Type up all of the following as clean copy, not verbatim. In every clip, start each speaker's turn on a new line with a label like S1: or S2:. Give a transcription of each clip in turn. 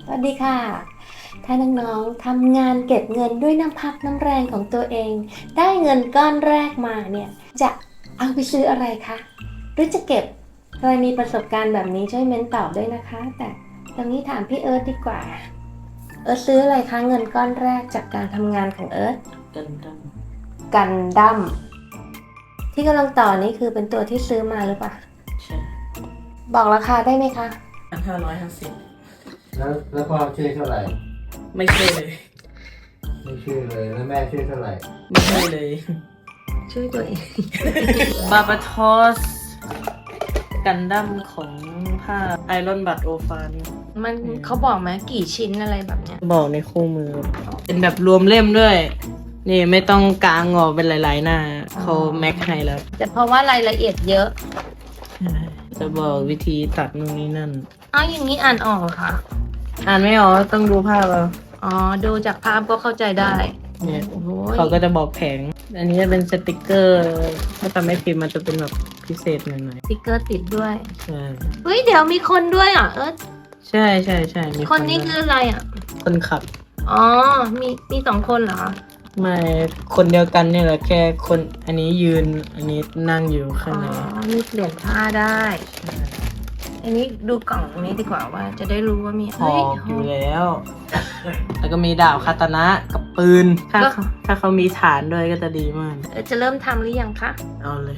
S1: วัสดีค่ะถ้าน้องๆทำงานเก็บเงินด้วยน้ำพักน้ำแรงของตัวเอง ได้เงินก้อนแรกมาเนี่ยจะเอาไปซื้ออะไรคะหรือจะเก็บใครมีประสบการณ์แบบนี้ช่วยเม้นตอบด้วยนะคะ แต่ตรงนี้ถามพี่เอิร์ธดีกว่าเอิร์ธซื้ออะไรคะเงินก้อนแรกจากการทำงานของเอิร์ธกันดั้มที่กำลังต่อนี้คือเป็นตัวที่ซื้อมาหรือเปล่า
S2: ใช่
S1: บอกราคาได้ไหมคะ
S2: 1,550
S3: แล้วพ่อช่วยเท่าไหร่
S2: ไม่ใช่เลย
S3: ไม่ช่วยเลยแล้วแม่ช่วยเท่าไหร่
S2: ไม่ใช่เลย
S1: ช่วยตัวเอง
S2: บาบาทอสกันดั้มของผ้าไอรอนบัตโอฟาน
S1: มันเขาบอกไหมกี่ชิ้นอะไรแบบเนี้ย
S2: บอกในคู่มือ เป็นแบบรวมเล่มด้วย นี่ไม่ต้องกางออกเป็นหลายๆหน้าเขาแม็กให้แล้ว
S1: แต่เพราะว่ารายละเอียดเยอะ
S2: จะบอกวิธีตัดนู่นนี่นั่น
S1: อย่างนี้อ่านออกเหรอค่ะ
S2: อ่านไม่ออกต้องดูภาพเอา
S1: ดูจากภาพก็เข้าใจได้
S2: เนี่ย
S1: โอ้โห
S2: เขาก็จะบอกแผง อันนี้จะเป็นสติกเกอร์ ถ้าทำไม่พิมพ์มันจะเป็นแบบพิเศษหน่อย
S1: สติ๊กเกอร์ติดด้วย
S2: ๆ ใช่
S1: เฮ้ยเดี๋ยวมีคนด้วยอ่ะ
S2: ใช่ใช่ใช่มี
S1: คนนี้
S2: ด้วย
S1: คืออะไรอ่ะ
S2: คนขับ
S1: มี2 คนเหรอ
S2: ไม่คนเดียวกันนี่แหละแค่คนอันนี้ยืนอันนี้นั่งอยู่ข้างใน
S1: มีเปลี่ยนผ้าได้ อันนี้ดูกล่องตรงนี้ดีกว่าว่าจะได้รู้ว่ามี
S2: หอกอยู่แล้ว แล้วก็มีดาบคาตานะกับปืน ถ้าเขามีฐานด้วยก็จะดีมาก
S1: จะเริ่มทำหรือยังคะ
S2: เอาเลย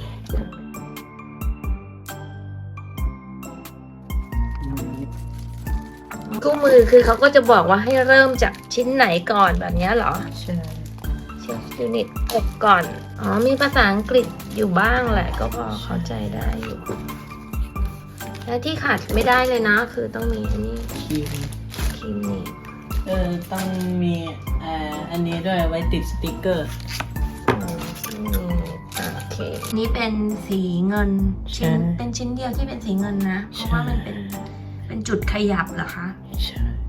S1: คู่มือคือเขาก็จะบอกว่าให้เริ่มจากชิ้นไหนก่อนแบบนี้เหรอ
S2: ใช่
S1: เชฟยูนิตอกก่อน มีภาษาอังกฤษอยู่บ้างแหละก็พอเข้าใจได้อยู่ และที่ขาดไม่ได้เลยนะคือต้องมีอันนี้
S2: ครีม
S1: ครีมนี่
S2: ต้องมีอันนี้ด้วยไว้ติดสติกเกอร์
S1: โอเค นี่เป็นสีเงินเป็นชิ้นเดียวที่เป็นสีเงินนะ เพราะว่ามันเป็นจุดขยับเหรอคะ
S2: ใช่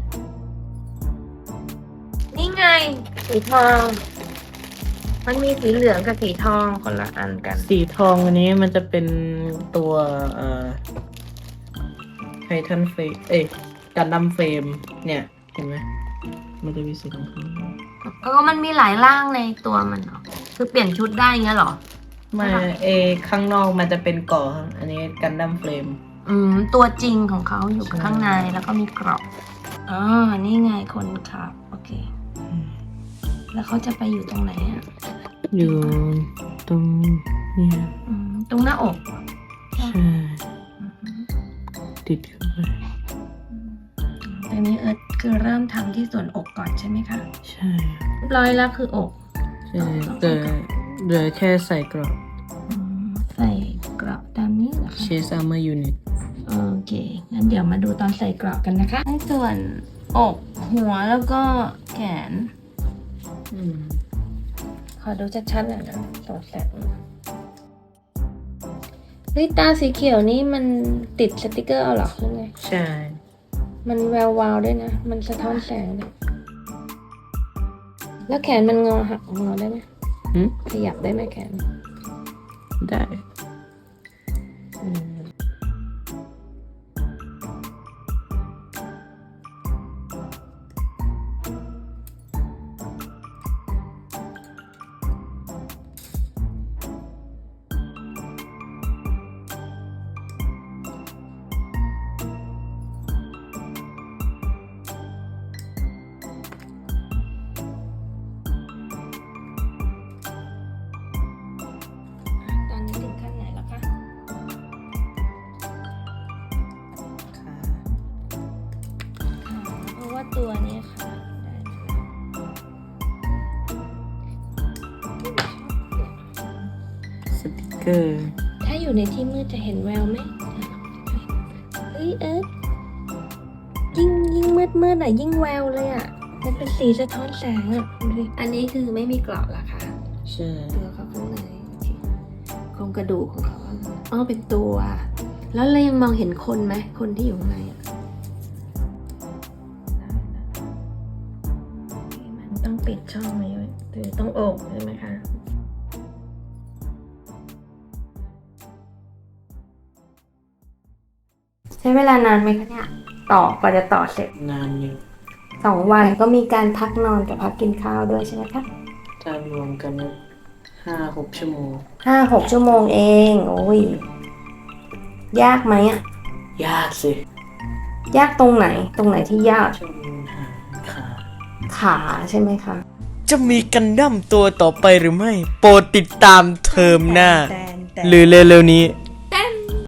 S1: นี่ไงสีทอง มันมีสีเหลืองกับสีทองคนละอันกัน
S2: สีทองอันนี้มันจะเป็นตัวไททันเฟรมกันดั้มเฟรมเนี่ยเห็นไหมมันจะมีสีทอง
S1: มันมีหลายร่างในตัวมันเหรอคือเปลี่ยนชุดได้เงี้ยเหรอ
S2: ไม่ข้างนอกมันจะเป็นเกาะอันนี้กันดั้มเฟรม
S1: ตัวจริงของเขาอยู่ข้างในแล้วก็มีกรอบนี่ไงคนขับโอเคแล้วเขาจะไปอยู่ตรงไหนอ่ะ
S2: อยู่ตรงนี้
S1: ตรงหน้าอก
S2: ใช่ติดเข้าไป
S1: ตอนนี้เอิร์ธคือเริ่มทำที่ส่วนอกก่อนใช่ไหมคะ
S2: ใช่
S1: เรียบร้อยแล้วคืออก
S2: ใช่เหลือแค่ใส่กรอบ
S1: ใส่กรอบตามนี้เหรอคะ
S2: Chest Armor Unit
S1: โอเคงั้นเดี๋ยวมาดูตอนใส่กรอบกันนะคะให้ส่วนอกหัวแล้วก็แขนขอดูชัดๆหน่อยนะสองแสงเฮ้ยตาสีเขียวนี่มันติดสติกเกอร์เอาเหรอหรือไง
S2: ใช่
S1: มันแวววาวด้วยนะมันสะท้อนแสงด้วยแล้วแขนมันหักงอได้ไหมขยับได้ไหมแขน
S2: ได้
S1: ตัวนี้ค่ะ
S2: สติกเกอร์
S1: ถ้าอยู่ในที่มืดจะเห็นแววไหมเฮ้ยยิ่งมืดอ่ะยิ่งแววเลยอ่ะมันเป็นสีสะท้อนแสงอ่ะอันนี้คือไม่มีกรอบละค่ะ
S2: ใช่
S1: ตัวเขาข้างในโครงกระดูกของเขาเป็นตัวแล้วเรายังมองเห็นคนไหมคนที่อยู่ข้างในอ่ะต้องปิดช่องนี้ไว้หรือต้องอกใช่ไหมคะใช้เวลานานไหมคะเนี่ยกว่าจะต่อเสร็จ
S2: นานอยู่
S1: 2 วันก็มีการพักนอนกับพักกินข้าวด้วยใช่ไหมคะ
S2: ถ้ารวมกัน5-6 ชั่วโมง
S1: 5-6 ชั่วโมงเอง โอ้ย ยากไหมอะ
S2: ยากสิ
S1: ยากตรงไหนที่ยาก
S2: ช่วงหาขา
S1: ขาใช่ไหมคะ
S4: จะมีกันดั้มตัวต่อไปหรือไม่ โปรดติดตามเทอมหน้า หรือเร็วๆนี้